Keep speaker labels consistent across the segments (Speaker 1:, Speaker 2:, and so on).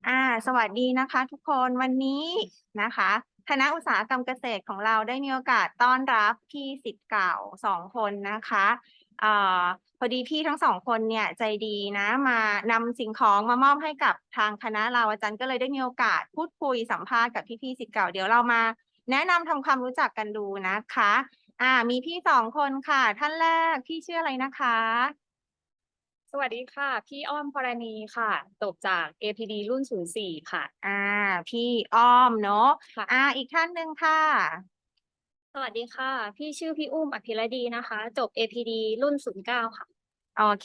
Speaker 1: สวัสดีนะคะทุกคนวันนี้นะคะคณะอุตสาหกรรมเกษตรของเราได้มีโอกาสต้อนรับพี่ศิษย์เก่า2 คนนะคะเอ่อพอดีพี่ทั้ง2 คนเนี่ยใจดีนะมานำสิ่งของมามอบให้กับทางคณะเราอาจารย์ก็เลยได้มีโอกาสพูดคุยสัมภาษณ์กับพี่ศิษย์เก่าเดี๋ยวเรามาแนะนำทำความรู้จักกันดูนะคะมีพี่2 คนค่ะท่านแรกพี่ชื่ออะไรนะคะ
Speaker 2: สวัสดีค่ะพี่อ้อมพรณีค่ะจบจาก APD รุ่น04ค่ะ
Speaker 1: พี่อ้อมเนาะ
Speaker 2: ค่ะ
Speaker 1: อีกท่านหนึ่งค่ะ
Speaker 2: สวัสดีค่ะพี่ชื่อพี่อุ้มอภิรดีนะคะจบ APD รุ่น09ค่ะ
Speaker 1: โอเค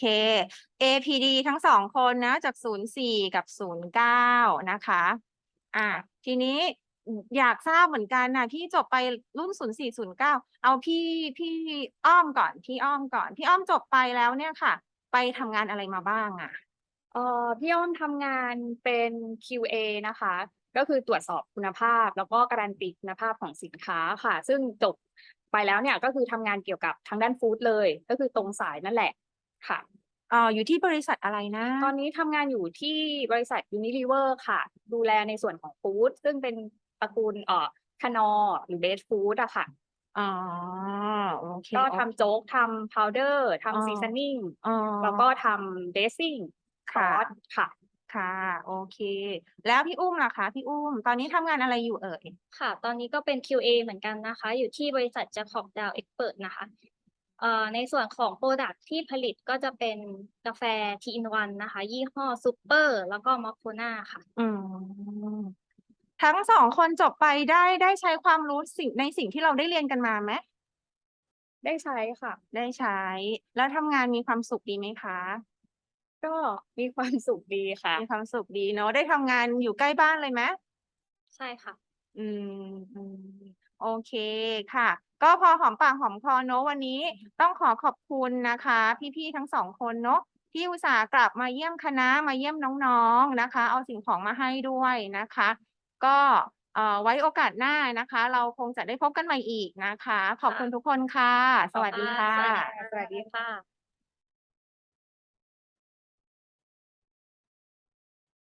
Speaker 1: APD ทั้ง2 คนนะจาก04กับ09นะคะทีนี้อยากทราบเหมือนกันนะพี่จบไปรุ่น0409เอาพี่อ้อมก่อนพี่อ้อมก่อนพี่อ้อมจบไปแล้วเนี่ยค่ะไปทำงานอะไรมาบ้าง
Speaker 2: พี่อ้อมทำงานเป็น QA นะคะก็คือตรวจสอบคุณภาพแล้วก็การันตีคุณภาพของสินค้าค่ะซึ่งจบไปแล้วเนี่ยก็คือทำงานเกี่ยวกับทางด้านฟู้ดเลยก็คือตรงสายนั่นแหละค่ะ
Speaker 1: อยู่ที่บริษัทอะไรนะ
Speaker 2: ตอนนี้ทำงานอยู่ที่บริษัท Unilever ค่ะดูแลในส่วนของฟู้ดซึ่งเป็นตระกูลKnorr หรือ Best Food อะค่ะ
Speaker 1: อ๋อโอเค
Speaker 2: ก็
Speaker 1: โอเค
Speaker 2: ทำโจ๊กทำ powder
Speaker 1: อ๋อ
Speaker 2: ทำ seasoning
Speaker 1: อ๋อ
Speaker 2: แล้วก็ทำ dressing ซ
Speaker 1: ค่ะ
Speaker 2: อสค่ะ
Speaker 1: ค่ะโอเคแล้วพี่อุ้มล่ะคะพี่อุ้มตอนนี้ทำงานอะไรอยู่เอ่ย
Speaker 2: ค่ะตอนนี้ก็เป็น QA เหมือนกันนะคะอยู่ที่บริษัท Jacob Dow Expert นะคะในส่วนของพรอดักต์ที่ผลิตก็จะเป็นกาแฟ Tea in One นะคะยี่ห้อ Super แล้วก็ Moccona ค่ะ
Speaker 1: อืมทั้ง2 คนจบไปได้ใช้ความรู้ในสิ่งที่เราได้เรียนกันมาไหม
Speaker 2: ได้ใช้ค่ะ
Speaker 1: ได้ใช้แล้วทำงานมีความสุขดีไหมคะ
Speaker 2: ก็มีความสุขดีค่ะ
Speaker 1: มีความสุขดีเนาะได้ทำงานอยู่ใกล้บ้านเลยไหม
Speaker 2: ใช่ค่ะ
Speaker 1: อืมอืมโอเคค่ะก็พอหอมปากหอมคอเนอะวันนี้ต้องขอขอบคุณนะคะพี่ๆทั้ง2 คนเนอะที่อุตส่าห์กลับมาเยี่ยมคณะมาเยี่ยมน้องๆนะคะเอาสิ่งของมาให้ด้วยนะคะก็ไว้โอกาสหน้านะคะเราคงจะได้พบกันใหม่อีกนะคะขอบ
Speaker 2: ค่ะ
Speaker 1: คุณทุกคนค่ะสวัสดีค่
Speaker 2: สวัสดี
Speaker 1: ะ
Speaker 2: สวัสดีค่ะ